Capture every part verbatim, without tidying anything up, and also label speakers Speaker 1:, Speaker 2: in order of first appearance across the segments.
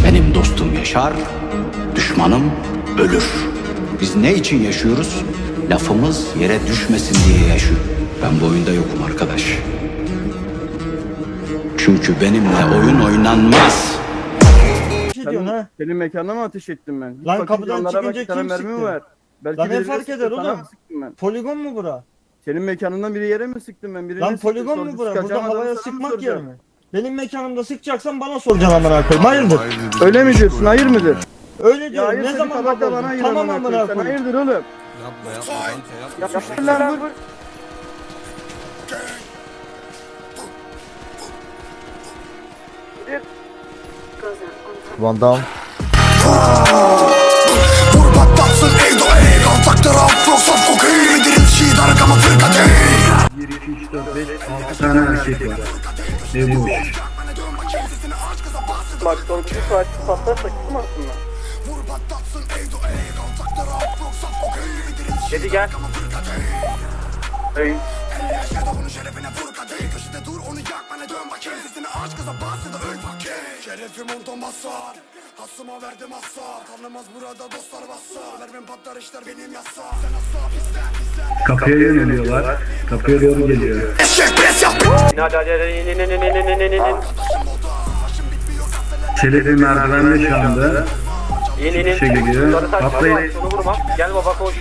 Speaker 1: Benim dostum yaşar, düşmanım ölür. Biz ne için yaşıyoruz? Lafımız yere düşmesin diye yaşıyor. Ben bu oyunda yokum arkadaş. Çünkü benimle oyun oynanmaz.
Speaker 2: Bir şey diyorsun ha?
Speaker 3: Senin mekanına mı ateş ettim ben?
Speaker 2: Lan
Speaker 3: Fakir
Speaker 2: kapıdan
Speaker 3: canlara bak,
Speaker 2: çıkınca
Speaker 3: bir tane
Speaker 2: kim
Speaker 3: mermi mi
Speaker 2: sıktı?
Speaker 3: var? Belki
Speaker 2: Lan ne
Speaker 3: birine
Speaker 2: fark
Speaker 3: sıktı,
Speaker 2: eder
Speaker 3: sana
Speaker 2: oğlum?
Speaker 3: mı sıktım ben?
Speaker 2: Poligon mu bura?
Speaker 3: Senin mekanından biri yere mi sıktım ben? Birine
Speaker 2: Lan
Speaker 3: sıktım,
Speaker 2: poligon mu
Speaker 3: sorgu
Speaker 2: bura?
Speaker 3: çıkaracağım
Speaker 2: Burada
Speaker 3: adamı
Speaker 2: havaya
Speaker 3: sana mı
Speaker 2: sıkmak yer
Speaker 3: soracağım?
Speaker 2: mi? Benim mekanımda sıkacaksan bana soracaksın amına koyayım. Hayırdır?
Speaker 3: Öyle mi diyorsun? Hayır mıdır?
Speaker 2: Öyle
Speaker 3: Ya
Speaker 2: diyorum.
Speaker 3: hayır
Speaker 2: Ne
Speaker 3: seni
Speaker 2: zaman
Speaker 3: kabak da
Speaker 2: bozdun?
Speaker 3: bana hayır
Speaker 2: Tamam
Speaker 3: amına
Speaker 2: amına
Speaker 3: koyayım. Sen
Speaker 2: koyayım.
Speaker 3: hayırdır oğlum?
Speaker 4: Yapma yapma kanka yapma.
Speaker 3: Yapıştır lan vur.
Speaker 5: Van Damme.
Speaker 6: Vur patlatsın eydo ey Kaltakları afro saf kokain Yedirin şiit arkama fırkatey
Speaker 7: bir, iki, üç, dört, beş, altı tane erkek var. Ve boş.
Speaker 3: Bak son bir saat patlarsa kim aslında?
Speaker 6: Vur patlatsın eydo ey Kaltakları afro saf kokain Yedirin şiit
Speaker 3: Dedi gel. Hey.
Speaker 6: Onun şerefine vur kadeh Köşede dur onu yak bana dön bakayım Sesini aç kıza bas ya da öl bakayım Şerefim ondan basar Hasıma verdim hasar Tanımaz burada dostlar bassar Vermem patlar işler benim yasa Sen asla bizden bizden
Speaker 7: Kapıya yöneliyorlar. Kapıya doğru geliyor.
Speaker 6: Eşek pres yap
Speaker 3: Hadi hadi hadi in in in in in in in in.
Speaker 7: Çelebi merdivende şu anda.
Speaker 3: İn in in.
Speaker 7: Şey geliyor.
Speaker 3: Sarı saç,
Speaker 7: Patlayın.
Speaker 3: sarı saç, şunu vurma. Gel baba koş.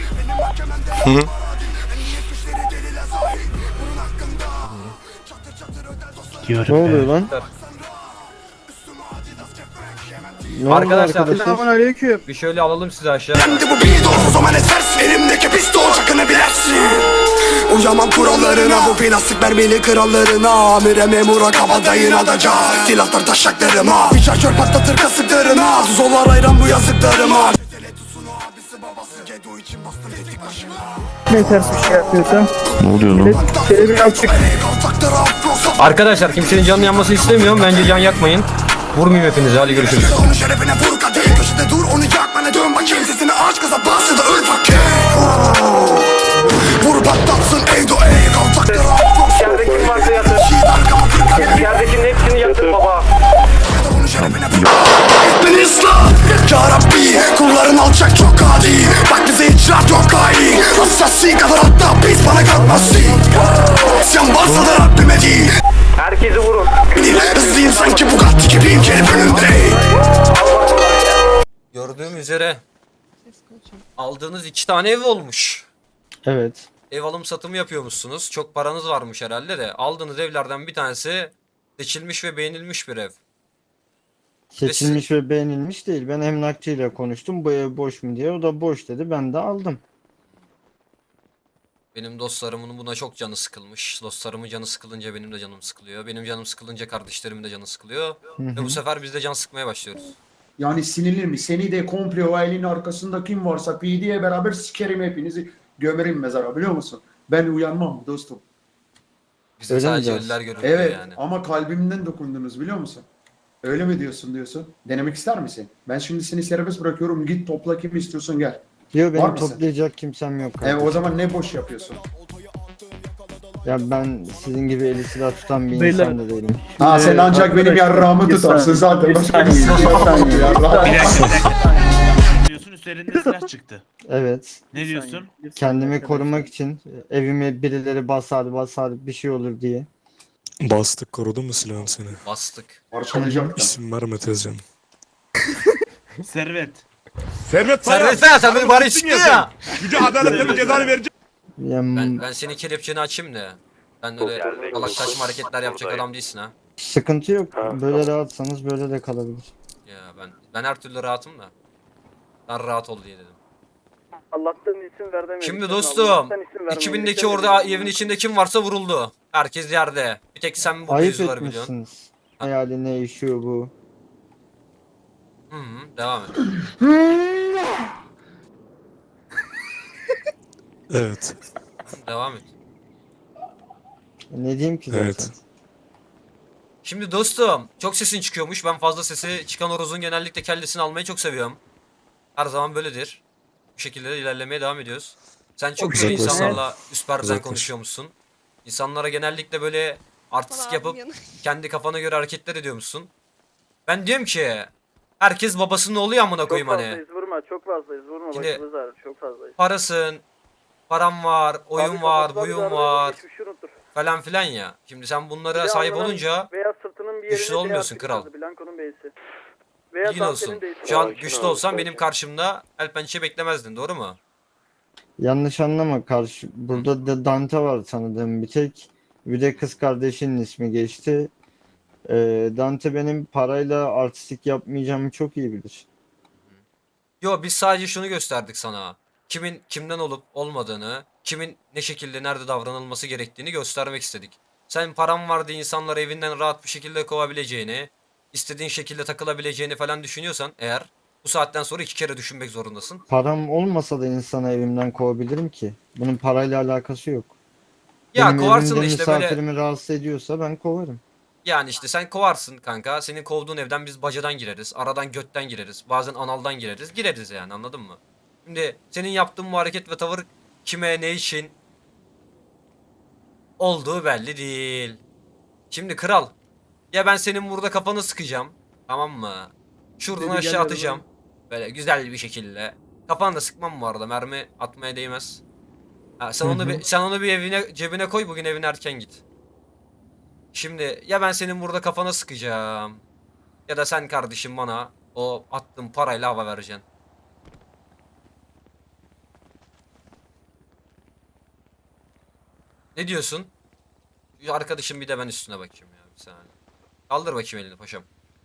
Speaker 2: Ne oluyor lan? Ne oldu
Speaker 8: Arkadaşlar,
Speaker 2: arkadaşlar?
Speaker 3: Selamünaleyküm.
Speaker 8: Bir şöyle alalım sizi aşağı.
Speaker 6: Kendi bu bildo o zaman esersin Elimdeki pistol çakını bilersin Uyamam kurallarına bu plastik mermili krallarına Amire memura kabadayın adaca Silahlar taşaklarıma Bir şarjör patlatır kasıklarına Zollar ayran bu yazıklarıma Tele tutsun o abisi babası Gedo için bastım tetik başına
Speaker 3: Ne ters bir şey yapıyorsun?
Speaker 5: Ne oluyor lan?
Speaker 3: Şöyle bir açık.
Speaker 8: Arkadaşlar kimsenin canını yanmasını istemiyorum. Bence can yakmayın. Vurmayayım hepinize. Hadi görüşürüz.
Speaker 6: Onun şerefine vur kadeh Köşede dur onu yak bana dön bakayım Sesini aç kıza bas ya da öl bakayım Vur patlatsın eydo ey Kaltakları afro
Speaker 3: Yerde kim varsa yatır.
Speaker 6: Şiit arkama fırkatey
Speaker 3: Yerdekinin hepsini yatır baba.
Speaker 6: Onun şerefine beni ıslah Ya Rabbi kulların alçak çok adi Bak bize icraat yok hain Hassasi kadar hatta biz bana kalkmazsın Sen varsa da Rabbime değil
Speaker 3: Herkesi vurun.
Speaker 6: Hızlıyım sanki Bugatti gibiyim gelip önümde
Speaker 8: Gördüğüm üzere aldığınız iki tane ev olmuş.
Speaker 2: Evet.
Speaker 8: Ev alım satımı yapıyormuşsunuz. Çok paranız varmış herhalde de. Aldığınız evlerden bir tanesi seçilmiş ve beğenilmiş bir ev.
Speaker 2: Seçilmiş ve beğenilmiş değil. Ben emlakçıyla konuştum. Bu ev boş mu diye. O da boş dedi. Ben de aldım.
Speaker 8: Benim dostlarımın buna çok canı sıkılmış. Dostlarımın canı sıkılınca benim de canım sıkılıyor. Benim canım sıkılınca kardeşlerimin de canı sıkılıyor. Ve bu sefer biz de can sıkmaya başlıyoruz.
Speaker 9: Yani sinirli mi? Seni de komple o elin arkasında kim varsa P D'ye beraber sikerim hepinizi gömerim mezara biliyor musun? Ben uyanmam dostum.
Speaker 8: Bize
Speaker 2: Öyle mi
Speaker 8: sadece
Speaker 2: diyorsun?
Speaker 8: ölüler görünüyor
Speaker 9: Evet
Speaker 8: yani.
Speaker 9: ama kalbimden dokundunuz biliyor musun? Öyle mi diyorsun diyorsun? Denemek ister misin? Ben şimdi seni serbest bırakıyorum. Git topla kim istiyorsun gel.
Speaker 2: Diyor
Speaker 9: Var
Speaker 2: benim
Speaker 9: mısın?
Speaker 2: toplayacak kimsem yok.
Speaker 9: E
Speaker 2: kardeşim.
Speaker 9: o zaman ne boş yapıyorsun?
Speaker 2: Ya ben sizin gibi eli silah tutan bir
Speaker 3: Beyler.
Speaker 2: insan da değilim.
Speaker 9: Ha sen ancak benim yarrağımı
Speaker 3: bir
Speaker 9: tutarsın
Speaker 3: saniye,
Speaker 9: zaten.
Speaker 3: bir
Speaker 9: Başka bir
Speaker 3: saniye,
Speaker 9: şey
Speaker 3: bir saniye.
Speaker 9: yarrağım yarrağım.
Speaker 10: Bir dakika bir dakika. Diyorsun üzerinde silah çıktı.
Speaker 2: Evet.
Speaker 10: Ne diyorsun?
Speaker 2: Kendimi korumak için evime birileri basar basar bir şey olur diye.
Speaker 4: Bastık korudun mu silahın seni?
Speaker 8: Bastık.
Speaker 9: Parçalayacaktım.
Speaker 4: İsim verme Tezcan.
Speaker 10: Servet.
Speaker 4: Servet
Speaker 8: Servet sen, sen beni bari çıktı ya.
Speaker 4: Yüce adaletle cezanı verecek.
Speaker 2: Yani
Speaker 8: Ben, ben senin kelepçeni açayım da. Ben öyle salak saçma hareketler yapacak adam değilsin ha.
Speaker 2: sıkıntı yok. Böyle rahatsanız böyle de kalabilir.
Speaker 8: Ya ben ben her türlü rahatım da. Sen rahat ol diye dedim.
Speaker 3: Allah'tan isim ver demedik.
Speaker 8: Şimdi
Speaker 3: Sen
Speaker 8: dostum,
Speaker 3: Allah'tan isim vermedik
Speaker 8: iki bindeki
Speaker 3: demedik.
Speaker 8: orada evin içinde kim varsa vuruldu. Herkes yerde. Bir tek sen bu
Speaker 2: Ayıp
Speaker 8: mevzuları biliyorsun.
Speaker 2: etmişsiniz. Hayali ne işiyor bu?
Speaker 8: Hı hı, devam et.
Speaker 4: Evet.
Speaker 8: Devam et.
Speaker 2: Ne diyeyim ki zaten?
Speaker 4: Evet.
Speaker 8: Şimdi dostum, çok sesin çıkıyormuş. Ben fazla sesi çıkan horozun genellikle kellesini almayı çok seviyorum. Her zaman böyledir. Bu şekilde de ilerlemeye devam ediyoruz. Sen çok güzel
Speaker 4: Uzaklaş.
Speaker 8: insanlarla üst perdeden
Speaker 4: Uzaklaş.
Speaker 8: konuşuyormuşsun. İnsanlara genellikle böyle artistik yapıp kendi kafana göre hareketler ediyormuşsun. Ben diyorum ki Herkes babasının oğlu ya amına
Speaker 3: Çok
Speaker 8: koyayım hani.
Speaker 3: fazlayız vurma çok fazlayız vurma
Speaker 8: Şimdi-
Speaker 3: başımız ağrır çok fazlayız.
Speaker 8: Parasın, param var, oyun
Speaker 3: Abi
Speaker 8: var,
Speaker 3: kafasına bir
Speaker 8: buyun
Speaker 3: darbe
Speaker 8: var
Speaker 3: geçmişi unutur.
Speaker 8: falan filan ya. Şimdi sen
Speaker 3: Bir
Speaker 8: bunlara
Speaker 3: de
Speaker 8: sahip
Speaker 3: alnının
Speaker 8: olunca
Speaker 3: veya sırtının bir
Speaker 8: güçlü
Speaker 3: yerinde
Speaker 8: olmuyorsun
Speaker 3: D
Speaker 8: kral.
Speaker 3: yazı, Blanco'nun B'si. Veya
Speaker 8: bilgin
Speaker 3: Dante'nin
Speaker 8: olsun.
Speaker 3: B'si.
Speaker 8: Şu an güçlü olsan benim karşımda el pençe beklemezdin, doğru mu?
Speaker 2: Yanlış anlama, karşı burada da Dante var tanıdığım bir tek. Bir de kız kardeşinin ismi geçti. Ee, Dante benim parayla artistik yapmayacağımı çok iyi bilir.
Speaker 8: Yo, biz sadece şunu gösterdik sana. Kimin kimden olup olmadığını, kimin ne şekilde nerede davranılması gerektiğini göstermek istedik. Sen param var diye insanları evinden rahat bir şekilde kovabileceğini, istediğin şekilde takılabileceğini falan düşünüyorsan eğer, bu saatten sonra iki kere düşünmek zorundasın.
Speaker 2: Param olmasa da insanı evimden kovabilirim ki. Bunun parayla alakası yok.
Speaker 8: Ya
Speaker 2: Benim
Speaker 8: kovarsın da
Speaker 2: evimde
Speaker 8: işte böyle,
Speaker 2: misafirimi rahatsız ediyorsa ben kovarım.
Speaker 8: yani işte sen kovarsın kanka. Senin kovduğun evden biz bacadan gireriz, aradan götten gireriz, bazen analdan gireriz. Gireriz yani, anladın mı? Şimdi senin yaptığın bu hareket ve tavır kime ne için olduğu belli değil. Şimdi kral, ya ben senin burada kafanı sıkacağım, tamam mı? Şuradan
Speaker 9: Dedi,
Speaker 8: aşağı
Speaker 9: gel
Speaker 8: atacağım. Böyle güzel bir şekilde. Kafanı da sıkmam bu arada, mermi atmaya değmez. Ha, sen
Speaker 2: Hı
Speaker 8: onu
Speaker 2: hı.
Speaker 8: bir, sen onu bir evine cebine koy, bugün evine erken git. Şimdi ya ben senin burada kafana sıkacağım, ya da sen kardeşim bana o attığın parayla hava vereceksin. Ne diyorsun? Şu arkadaşım bir de ben üstüne bakayım ya, bir saniye. Kaldır bakayım elini paşam.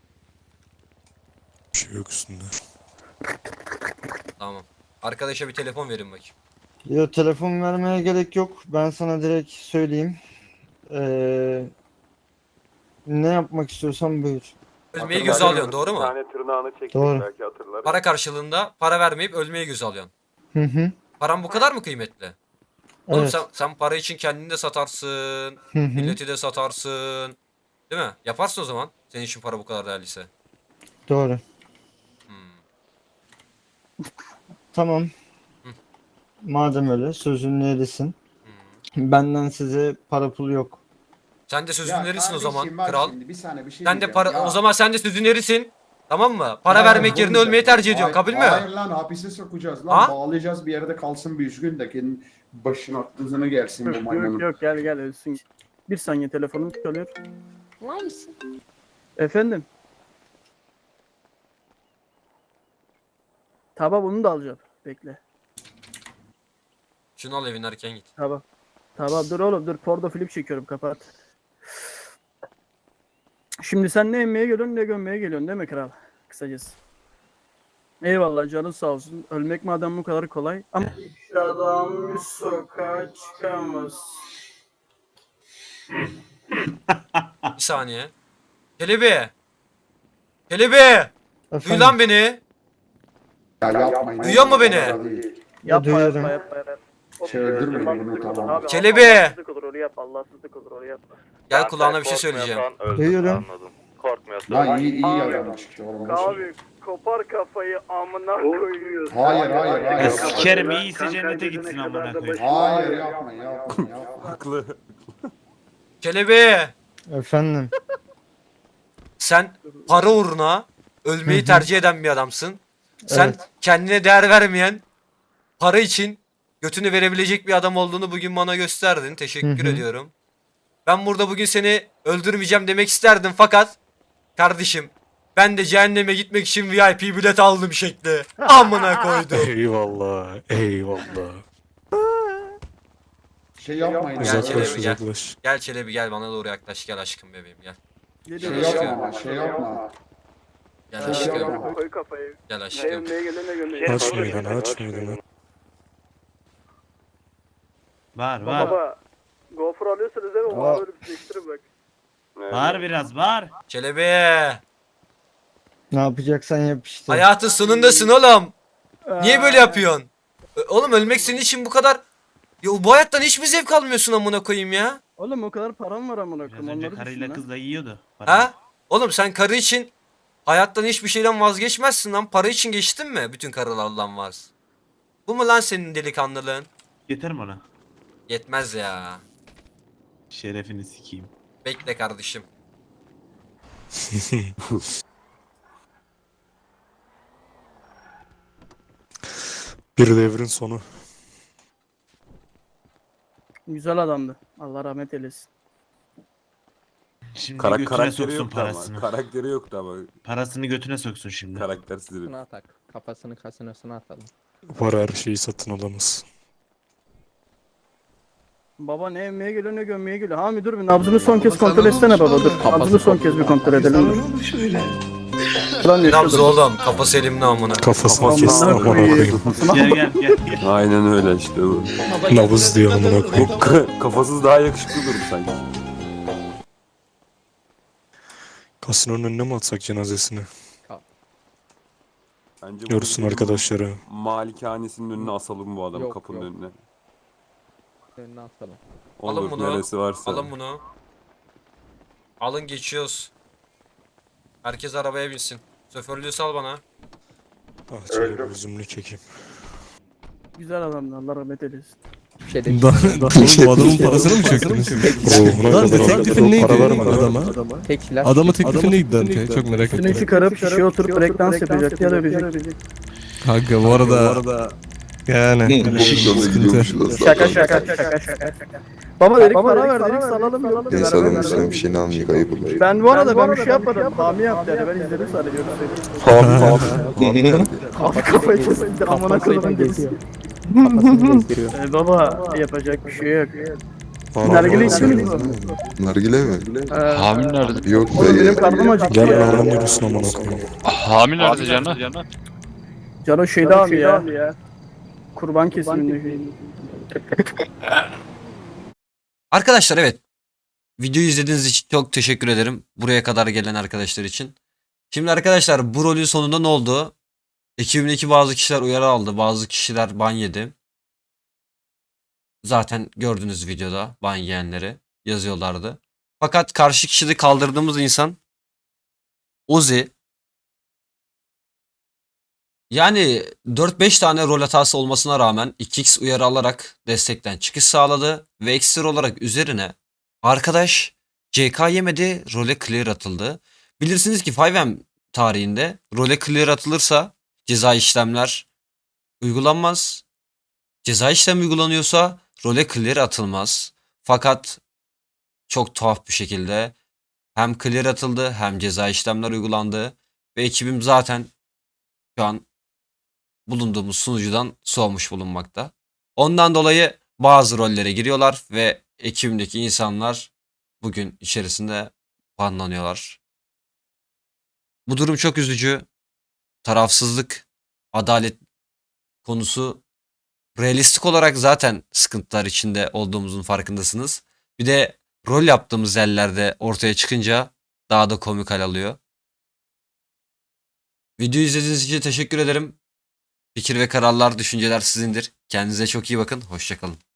Speaker 4: Bir şey yok üstünde.
Speaker 8: Tamam. Arkadaşa bir telefon verin bakayım.
Speaker 2: Ya telefon vermeye gerek yok. Ben sana direkt söyleyeyim. Ee, ne yapmak istiyorsan buyur.
Speaker 8: Ölmeyi göze alıyorsun, doğru mu?
Speaker 2: Doğru.
Speaker 8: Para karşılığında para vermeyip ölmeyi göze alıyorsun.
Speaker 2: Hı hı.
Speaker 8: Paran bu kadar mı kıymetli? Oğlum
Speaker 2: Evet.
Speaker 8: sen, sen para için kendini de satarsın,
Speaker 2: Hı hı.
Speaker 8: milleti de satarsın. Değil mi? Yaparsın o zaman. Senin için para bu kadar değerliyse.
Speaker 2: Doğru.
Speaker 8: Hmm.
Speaker 2: Tamam.
Speaker 8: Hı.
Speaker 2: Madem öyle sözünü erisin. Benden size para pul yok.
Speaker 8: Sen de sözün
Speaker 9: Ya
Speaker 8: verirsin o zaman
Speaker 9: kardeşim bak
Speaker 8: kral.
Speaker 9: şimdi bir saniye bir şey
Speaker 8: Sen de
Speaker 9: diyeceğim.
Speaker 8: para
Speaker 9: Ya-
Speaker 8: o zaman sen de sözün verirsin. Tamam mı? Para
Speaker 9: Ya
Speaker 8: vermek yerine
Speaker 9: olmayacak.
Speaker 8: ölmeyi tercih ediyorsun.
Speaker 9: Hayır-
Speaker 8: Kabul mü?
Speaker 9: Hayır lan hapise sokacağız lan.
Speaker 8: Ha?
Speaker 9: Bağlayacağız bir yerde kalsın bir üzgün de kendi başına aklınızını gelsin bu
Speaker 3: Yok
Speaker 9: maymunun.
Speaker 3: yok gel gel ölsün. Bir saniye telefonum çalıyor.
Speaker 11: Var mısın?
Speaker 3: Efendim? Tamam bunu da alacağım. Bekle.
Speaker 8: Şunu al, evin erken git.
Speaker 3: Tamam. Tamam dur oğlum dur porno film çekiyorum kapat. Şimdi sen ne emmeye geliyorsun ne gömmeye geliyorsun değil mi kral? Kısacası. Eyvallah canın sağ olsun. Ölmek madem bu kadar kolay. Ama adam bir sokağa çıkamaz.
Speaker 8: Bir saniye. Kelebi. Kelebi. Duy
Speaker 2: Efendim?
Speaker 8: lan beni.
Speaker 9: Ya yapmayın.
Speaker 8: Duyuyor mu beni?
Speaker 3: Yapma
Speaker 2: duyuyorum.
Speaker 3: yapma yapma. yapma.
Speaker 9: Şey öldürmeyin bunu,
Speaker 3: Allahsızlık
Speaker 9: tamam.
Speaker 3: olur abi,
Speaker 8: Kelebi.
Speaker 3: Allahsızlık olur onu yapma. Allahsızlık olur onu yapma.
Speaker 8: Gel kulağına bir şey söyleyeceğim.
Speaker 2: Duyuyorum.
Speaker 9: Lan iyi iyi
Speaker 3: Abi,
Speaker 9: adam çıktı oğlum. boş ver.
Speaker 3: Abi kopar kafayı amına koyuyorsun.
Speaker 9: Hayır hayır
Speaker 10: Ya
Speaker 9: hayır.
Speaker 10: sikerim iyiyse cennete gitsin amına koyayım.
Speaker 9: Hayır yapma yapma yapma.
Speaker 8: Kelebi.
Speaker 2: Efendim.
Speaker 8: Sen para uğruna ölmeyi
Speaker 2: Hı hı.
Speaker 8: tercih eden bir adamsın. Sen
Speaker 2: Evet.
Speaker 8: kendine değer vermeyen, para için götünü verebilecek bir adam olduğunu bugün bana gösterdin. Teşekkür
Speaker 2: Hı hı.
Speaker 8: ediyorum. Ben burada bugün seni öldürmeyeceğim demek isterdim fakat kardeşim, ben de cehenneme gitmek için V I P bilet aldım şekli. Amına koydum.
Speaker 4: Eyvallah. Eyvallah.
Speaker 9: Şey yapmayın.
Speaker 8: Gel
Speaker 4: Uzaklaş
Speaker 8: Çelebi, gel.
Speaker 4: uzaklaş.
Speaker 8: Gel Çelebi gel, bana doğru yaklaş, gel aşkım bebeğim gel.
Speaker 9: Şey
Speaker 3: Geliyor.
Speaker 9: yapma şey yapma.
Speaker 8: Gel
Speaker 9: Şey
Speaker 8: aşkım.
Speaker 9: yapma.
Speaker 3: Koy kafayı.
Speaker 8: Gel
Speaker 3: Ne
Speaker 8: aşkım.
Speaker 3: gömmeye geliyor ne gömmeye.
Speaker 4: Aç meydanı aç meydanı.
Speaker 10: Var var.
Speaker 3: Baba. GoPro alıyorsanız değil mi?
Speaker 2: Aa.
Speaker 3: Bana böyle bir değiştirin bak.
Speaker 10: Var biraz var.
Speaker 8: Çelebi.
Speaker 2: Ne yapacaksan yap işte.
Speaker 8: Hayatın sonundasın oğlum. Niye böyle yapıyorsun? Ö- Oğlum ölmek senin için bu kadar... Ya bu hayattan hiç mi zevk almıyorsun amına koyayım ya?
Speaker 3: Oğlum o kadar param var amına
Speaker 10: Biraz
Speaker 3: koyayım.
Speaker 10: önce
Speaker 3: Onları
Speaker 10: karıyla
Speaker 3: düşün lan.
Speaker 10: kızla yiyordu. parayı.
Speaker 8: Ha? Oğlum sen karı için hayattan hiçbir şeyden vazgeçmezsin lan. Para için geçtin mi? Bütün karılarla vaz. Bu mu lan senin delikanlılığın?
Speaker 10: Yeter mi ona?
Speaker 8: Yetmez ya.
Speaker 10: Şerefini sikeyim.
Speaker 8: Bekle kardeşim.
Speaker 4: Bir devrin sonu.
Speaker 3: Güzel adamdı. Allah rahmet eylesin.
Speaker 10: Şimdi
Speaker 11: Kara
Speaker 10: götüne
Speaker 11: karakteri
Speaker 10: soksun
Speaker 11: yoktu ama.
Speaker 10: parasını.
Speaker 11: Karakteri yoktu ama.
Speaker 10: Parasını götüne soksun şimdi.
Speaker 11: Karaktersiz herif.
Speaker 5: atak. Kafasını kasinosuna atalım.
Speaker 4: Var her şeyi satın alamaz.
Speaker 3: Baba ne emmeye geliyor ne gömmeye geliyor. Hami dur bir nabzını son kez kontrol etsene baba dur. Nabzını son kez bir kontrol edelim dur. Lan
Speaker 8: Ne
Speaker 3: yaşıyor
Speaker 8: nabzı
Speaker 3: dur.
Speaker 8: oğlum? Kafası elimde amına.
Speaker 4: Kafasını kesin
Speaker 3: Amına
Speaker 4: amına
Speaker 3: koyayım.
Speaker 4: koyayım.
Speaker 10: Gel gel gel. gel.
Speaker 11: Aynen öyle işte bu.
Speaker 4: Nabız diyor amına koyayım.
Speaker 11: Bu kafasız daha yakışıklı durdu sanki.
Speaker 4: Kasinonun önüne mi atsak cenazesini?
Speaker 11: Bence
Speaker 4: Görsün
Speaker 11: bu
Speaker 4: arkadaşları.
Speaker 11: malikanesinin önüne asalım bu adamı,
Speaker 5: Yok,
Speaker 11: kapının
Speaker 5: yok.
Speaker 11: önüne.
Speaker 5: Önüne atalım.
Speaker 8: Alın
Speaker 11: Olur
Speaker 8: bunu.
Speaker 11: neresi varsa.
Speaker 8: Alın bunu. Alın geçiyoruz. Herkes arabaya binsin. Şoförlüğü sal bana.
Speaker 4: Ah şöyle bir üzümlü çekeyim.
Speaker 3: Güzel adamdı Allah rahmet eylesin.
Speaker 5: Bir şey de
Speaker 12: Bu adamın parasını mı çöktünüz?
Speaker 4: Ruhuna
Speaker 12: Lan
Speaker 4: kadar
Speaker 12: teklifin neydi
Speaker 4: para vermedi.
Speaker 12: adama?
Speaker 5: tek silah.
Speaker 12: Adamın teklifi neydi Dante? Çok merak
Speaker 3: Üstüne
Speaker 12: ettim.
Speaker 3: çıkarıp şişeye oturup breakdance yapacak ya da öpecek.
Speaker 12: Kanka bu arada yani sıkıntı.
Speaker 3: Şaka şaka şaka şaka. Baba dedik para ver dedik salalım yok.
Speaker 13: Neyse adamın üstüne bir şeyini almayacak ayıp olur.
Speaker 3: Ben bu arada ben bir şey yapmadım. Hami yaptı yani ben izledim sadece. Abi kafayı kesindir amına koyduğum geziyor. Ee, baba yapacak bir şey yok. Nargile içtiniz mi?
Speaker 13: Nargile mi?
Speaker 3: Ee,
Speaker 13: Hamile nerede? Yok
Speaker 3: Oğlum benim
Speaker 13: dayı.
Speaker 3: karnım acıktı
Speaker 4: Gel
Speaker 3: ya.
Speaker 4: lan yürüsün amına koyayım.
Speaker 13: Hamile nerede canım?
Speaker 3: Cano şeyde abi ya. Kurban kesiminde.
Speaker 8: Arkadaşlar evet. Videoyu izlediğiniz için çok teşekkür ederim. Buraya kadar gelen arkadaşlar için. Şimdi arkadaşlar bu rolün sonunda ne oldu? Ekibimdeki bazı kişiler uyarı aldı. Bazı kişiler ban yedi. Zaten gördünüz videoda ban yiyenleri yazıyorlardı. Fakat karşı kişide kaldırdığımız insan Ozi. Yani dört beş tane rol hatası olmasına rağmen iki x uyarı alarak destekten çıkış sağladı ve ekstra olarak üzerine arkadaş C K yemedi, role clear atıldı. Bilirsiniz ki beş M tarihinde role clear atılırsa ceza işlemler uygulanmaz. Ceza işlem uygulanıyorsa role clear atılmaz. Fakat çok tuhaf bir şekilde hem clear atıldı hem ceza işlemler uygulandı ve ekibim zaten şu an bulunduğumuz sunucudan soğumuş bulunmakta. Ondan dolayı bazı rollere giriyorlar ve ekibimdeki insanlar bugün içerisinde banlanıyorlar. Bu durum çok üzücü. Tarafsızlık, adalet konusu realistik olarak zaten sıkıntılar içinde olduğumuzun farkındasınız. Bir de rol yaptığımız yerlerde ortaya çıkınca daha da komik hal alıyor. Videoyu izlediğiniz için teşekkür ederim. Fikir ve kararlar, düşünceler sizindir. Kendinize çok iyi bakın. Hoşça kalın.